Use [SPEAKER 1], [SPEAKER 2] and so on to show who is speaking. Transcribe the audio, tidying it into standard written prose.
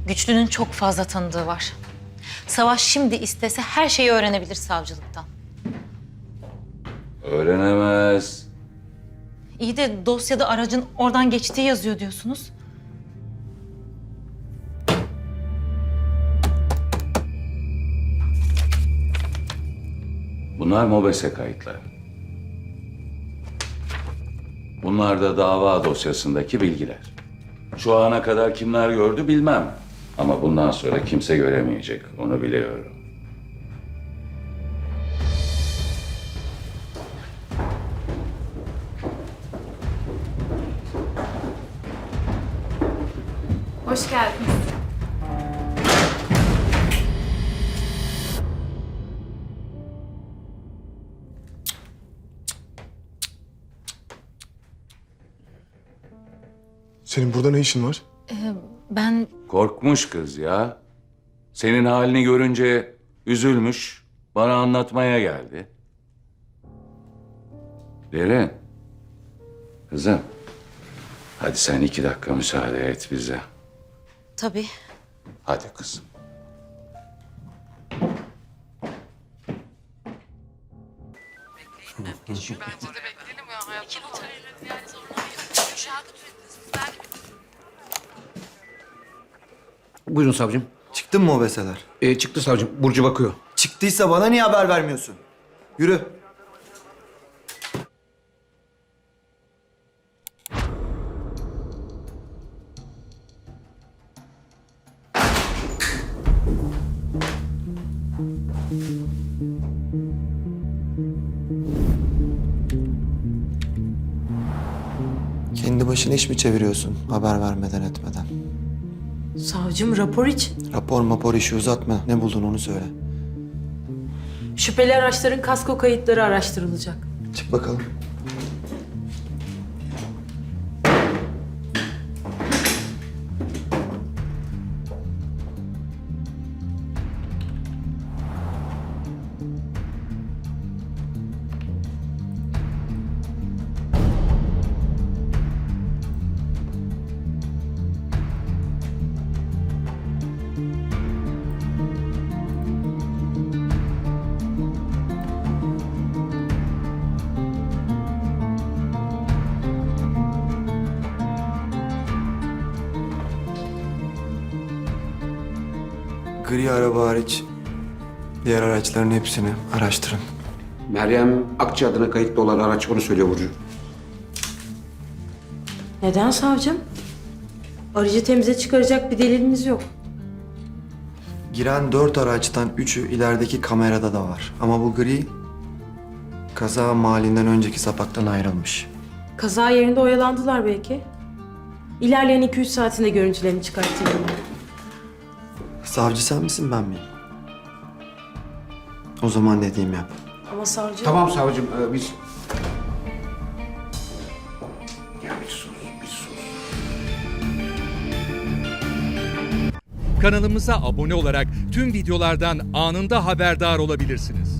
[SPEAKER 1] Güçlü'nün çok fazla tanıdığı var. Savaş şimdi istese her şeyi öğrenebilir savcılıktan.
[SPEAKER 2] Öğrenemez.
[SPEAKER 1] İyi de dosyada aracın oradan geçtiği yazıyor diyorsunuz.
[SPEAKER 2] Bunlar MOBESE kayıtları. Bunlar da dava dosyasındaki bilgiler. Şu ana kadar kimler gördü bilmem. Ama bundan sonra kimse göremeyecek, onu biliyorum.
[SPEAKER 3] Hoş geldiniz.
[SPEAKER 4] Senin burada ne işin var?
[SPEAKER 1] Ben
[SPEAKER 2] Korkmuş kız ya. Senin halini görünce üzülmüş, bana anlatmaya geldi. Derin, kızım, hadi sen 2 dakika müsaade et bize.
[SPEAKER 1] tabii
[SPEAKER 2] Hadi kızım.
[SPEAKER 5] Buyurun savcım.
[SPEAKER 6] Çıktın mı o beseler?
[SPEAKER 5] Çıktı savcım. Burcu bakıyor.
[SPEAKER 6] Çıktıysa bana niye haber vermiyorsun? Yürü. Kendi başına iş mi çeviriyorsun haber vermeden etmeden?
[SPEAKER 7] Savcım rapor için.
[SPEAKER 6] Rapor işi uzatma. Ne buldun onu söyle.
[SPEAKER 7] Şüpheli araçların kasko kayıtları araştırılacak.
[SPEAKER 6] Çık bakalım. Gri araba hariç diğer araçların hepsini araştırın.
[SPEAKER 5] Meryem Akça adına kayıtlı olan araç onu söylüyor Burcu.
[SPEAKER 7] Neden savcım? Aracı temize çıkaracak bir delilimiz yok.
[SPEAKER 6] Giren 4 araçtan 3'ü ilerideki kamerada da var. Ama bu gri kaza mahallinden önceki sapaktan ayrılmış.
[SPEAKER 7] Kaza yerinde oyalandılar belki. İlerleyen 2-3 saatinde görüntülerini çıkartayım.
[SPEAKER 6] Savcı sen misin ben miyim? O zaman dediğimi yap.
[SPEAKER 7] Ama savcım...
[SPEAKER 5] Tamam savcım. Biz... Ya bir sus, bir sus.
[SPEAKER 8] Kanalımıza abone olarak tüm videolardan anında haberdar olabilirsiniz.